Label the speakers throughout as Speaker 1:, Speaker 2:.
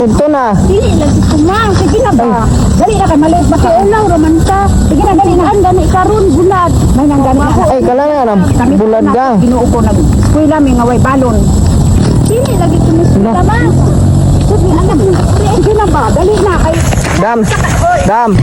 Speaker 1: Ito na.
Speaker 2: Dili lagi ko ma. Sige na ba? Dali na kay maliit ba kay ulaw raman ka. Sige na dali na ang gani karon bulad. May nang gani.
Speaker 1: Ay, kala nga na. Bulad gang.
Speaker 2: Ginuo ko nag eskwela mi nga way balon. Dili lagi ko mismo ma. Sige na. Sige na ba? Dali na kay
Speaker 1: Dam. Dam.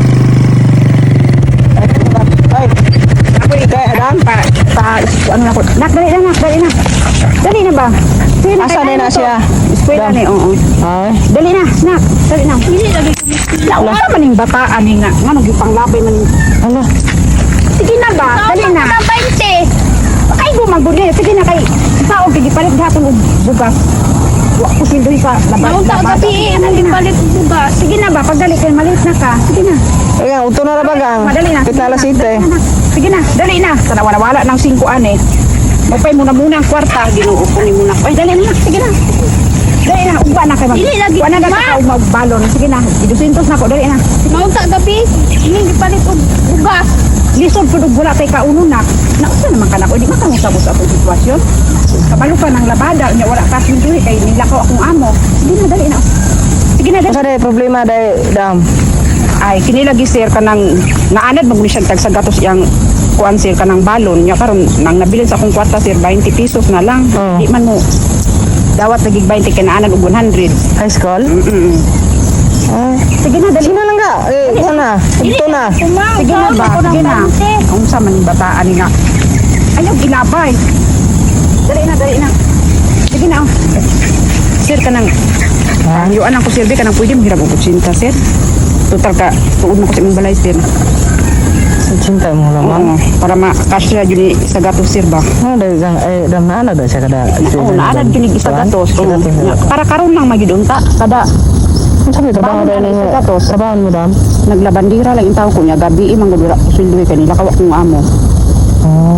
Speaker 1: Ay. Apa ni kay Adam?
Speaker 2: ano na ko. Nak dali na. Dali na ba? Sige na.
Speaker 1: Asa na na siya?
Speaker 2: Eskwela ni, oo.
Speaker 1: Ay.
Speaker 2: Dali na, nak. Dali na. Dili lagi ko mismo. Wala man ning bataan ni nga. Ngano gipanglabay man ning.
Speaker 1: Ala.
Speaker 2: Sige na ba? Dali na. 20. Ay, gumagod na. Sige na kay. Sao, gipalit gapon og bugas. Wa ko sindoy sa labas.
Speaker 3: Ang gabi, hindi palit bugas.
Speaker 2: Sige na ba? Pagdali kay malit na ka. Sige na.
Speaker 1: Ay, uto na ra ba gang?
Speaker 2: Madali na.
Speaker 1: Kita alas 7.
Speaker 2: Sige na. Dali na. Sana wala ng 5 ane. Magpay muna ang kwarta. Ginuo ko ni muna. Ay, dali na. Sige na. Dali na. Ugba na kay mag.
Speaker 3: Dili lagi.
Speaker 2: Wa na ka magbalon. Sige na. 200 na ko. Dali na.
Speaker 3: Maunta gabi, hindi palit og bugas.
Speaker 2: Lisod po wala tayo kauno na. Nausa naman ka na ko. Di ba kamusabot sa akong sitwasyon? Kabalo ka ng labada. Nya wala ka sinduhi kay nilakaw akong amo. Sige na, dali na. Sige na, dali.
Speaker 1: Asa day problema day Dam?
Speaker 2: Ay, kinilagi sir ka ng naanad mag siya tag sa gatos yang kuan sir ka ng balon. Nya karon nang nabilin sa akong kwarta sir 20 pesos na lang.
Speaker 1: Oh.
Speaker 2: Di man mo dawat nagig 20 kay naanad og 100.
Speaker 1: High school? Ay.
Speaker 2: Sige na, dali.
Speaker 1: Sino lang ga? Eh, ito na. Ito na.
Speaker 2: Sige na ba? Sige na. Ang sa man bataan ni nga. Ayaw ilabay. Dali na. Sige na. Sir ka nang ayuan ako sir, ka nang pwede mahirap og kutsinta sir. Total ka tuod mo ko sa imong balay sir.
Speaker 1: Cinta mo naman.
Speaker 2: Oo, para makasya yun sa gatos sir ba?
Speaker 1: Ano day gang? Eh, Dam na day siya kada.
Speaker 2: Oo, naanad yun sa gatos. Oo. Para karon lang magidunta. Kada
Speaker 1: Ano sabi trabaho day ni
Speaker 2: sa gatos.
Speaker 1: trabaho mo Dam?
Speaker 2: Naglabandira lang yung tao ko niya. Gabi imang gudura ko sildoy kanila kawak kong amo.
Speaker 1: Oh.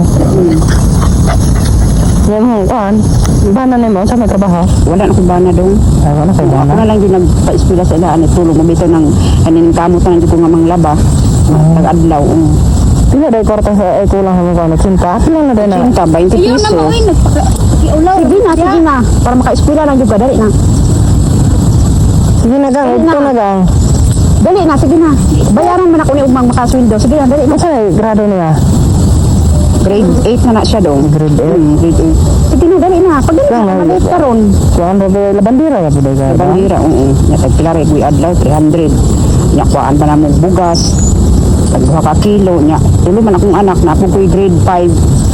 Speaker 1: Yan mo kan. Bana ni mo sa may trabaho.
Speaker 2: Wala na akong bana dong.
Speaker 1: Ay, wala kay
Speaker 2: Ako
Speaker 1: bana.
Speaker 2: na lang din nagpa-eskwela sa ilaan at tulong mo bito ng kanin kamot na nandiyo ko nga manglaba. Nag-adlaw.
Speaker 1: Pila day kwarta sa kulang mo kan cinta. Pila na day na.
Speaker 2: Cinta, 20
Speaker 3: Ayaw na
Speaker 2: piso.
Speaker 3: mo ay nagpakiulaw.
Speaker 2: Sige na. Para maka-eskwela lang juga. Dali na.
Speaker 1: Sige na gang, ito na gang.
Speaker 2: Dali na, sige na. Bayaran man ako ni Ugmang makaswindo. Sige na, dali na.
Speaker 1: Asa na grado niya?
Speaker 2: Grade 8 na siya dong.
Speaker 1: Grade 8.
Speaker 2: Grade 8. Sige na, dali na. Pag dali na, malit ka ron.
Speaker 1: Kuan ba labandira ka pud ka?
Speaker 2: Bandira, oo. Nya tagpilari ko adlaw 300. Nya kuan pa na mo bugas. Tag 2 ka kilo nya. Tulo man akong anak na ako ko'y grade 5.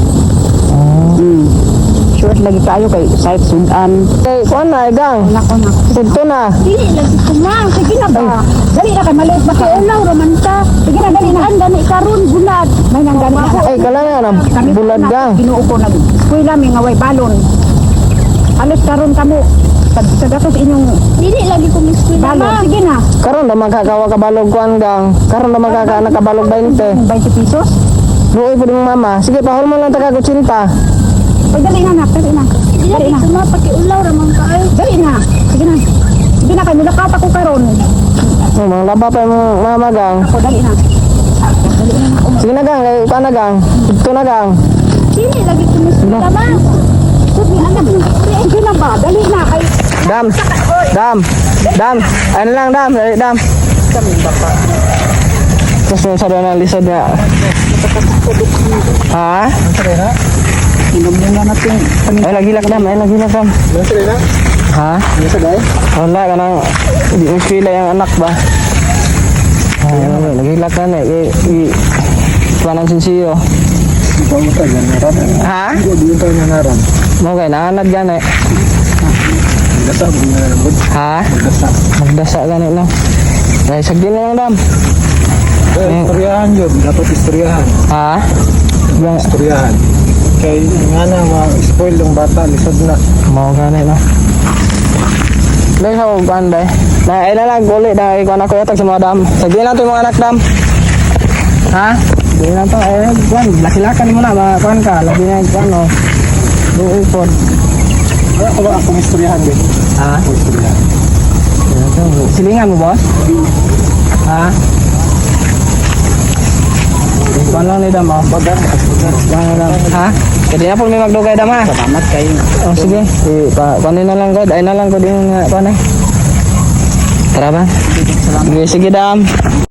Speaker 2: Sure lagi kayo kay site sudan.
Speaker 1: Kay kuan na gang.
Speaker 2: Nako.
Speaker 1: Ito na.
Speaker 3: Dili lagi ko ma.
Speaker 2: Sige na ba? Dali na kay maliit ba kay ulaw raman ka. Sige na, dali na. Ang gani karon bulad. May nang gani na.
Speaker 1: Ay, kala nga na bulad gang.
Speaker 2: Ginuo ko nag eskwela mi nga way balon. Alos karon kamo sa gatos inyong
Speaker 3: Dili lagi ko mismo
Speaker 2: balon.
Speaker 3: ma.
Speaker 2: Sige na.
Speaker 1: Karon na magkakawa ka balog kuan gang. Karon na magkaka nakabalog 20.
Speaker 2: 20 pesos.
Speaker 1: Luoy pud mong mama. Sige, pahol mo lang taga kutsinta.
Speaker 2: Ay, dali na, nak. Dali na.
Speaker 3: Dili lagi ko ma pakiulaw raman ka ay.
Speaker 2: Dali na. Sige na. Sige na, kay nilakata ko karon.
Speaker 1: Oh, mga laba pa yung mama gang.
Speaker 2: Ako, dali na.
Speaker 1: Sige na gang, kay kuan na gang. Ito na gang.
Speaker 3: Dili lagi ko mismo ma.
Speaker 2: Sige, anak. Sige na ba? Dali na. Kay
Speaker 1: Dam. Dam. Ano lang Dam, dali Dam. Tapos yung sa doon ang lisod niya. Ha?
Speaker 2: inom muna natin.
Speaker 1: Ay, lagilak Dam. Ha? Wala ka nang hindi mo sila yung anak ba? Ay, lagilak ka na eh. Panan sinsiyo. Ha? Mo kay naanad gani. Ha? Magdasa gani lang. Ay, sagdi na lang Dam.
Speaker 4: Istoryahan yun, dapat istoryahan.
Speaker 1: Ha? Yang
Speaker 4: Istoryahan. Kaya nga na, ma-spoil yung bata, lisod na.
Speaker 1: mau gani na. Dahil sa uban dahil. Na ay na lang guli dahil ko anak ko yatag sa mga Dam. Sagdi na to yung mga anak Dam. Ha? Di na to eh kuan laki-lakan mo na kuan ka labi na kuan no. Duoy pod.
Speaker 4: Ako ba akong istoryahan din?
Speaker 1: Ha?
Speaker 4: Istoryahan.
Speaker 1: Silingan mo boss? Ha? Kuan lang ni Dam oh. Bagan. Ha? Jadi na po may magdugay Dam ha.
Speaker 2: Salamat kayo.
Speaker 1: Oh sige. Kuanin na lang ko. Ay na lang ko din kuan eh. Tara ba? Sige, sige, dam.